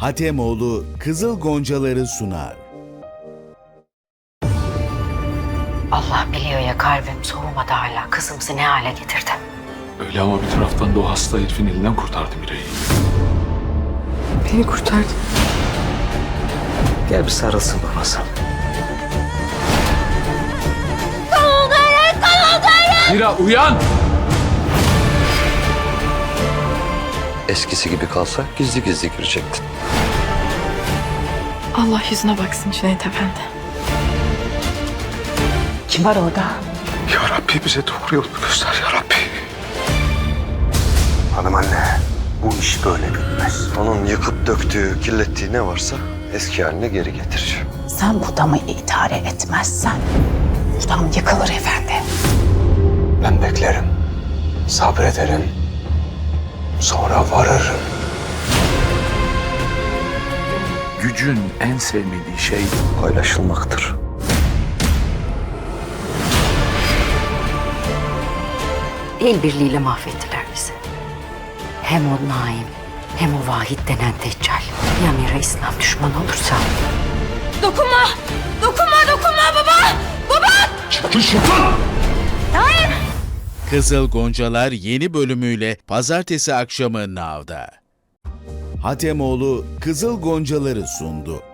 Hatemoğlu Kızıl Goncaları sunar. Allah biliyor ya, kalbim soğumadı hala. Kızımızı ne hale getirdi. Öyle ama bir taraftan da o hasta herifin elinden kurtardı Miray'ı. Beni kurtardın. Gel bir sarılsın babası. Mira uyan! Eskisi gibi kalsa gizli gizli girecektin. Allah yüzüne baksın Cüneyt Efendi. Kim var orada? Ya Rabbi bize doğru yolu göster ya Rabbi. Hanım anne, bu iş böyle bitmez. Onun yıkıp döktüğü, kirlettiği ne varsa eski haline geri getireceğim. Sen bu damı idare etmezsen bu dam yıkılır efendi. Ben beklerim, sabrederim, sonra varırım. Gücün en sevmediği şey Paylaşılmaktır. El birliğiyle mahvettiler bizi. Hem o Naim hem o Vahit denen Deccal. Ya Mira İslam düşmanı olursa? Dokunma! Dokunma, dokunma baba! Baba! Kızıl Goncalar yeni bölümüyle pazartesi akşamı Now'da. Hatemoğlu Kızıl Goncaları sundu.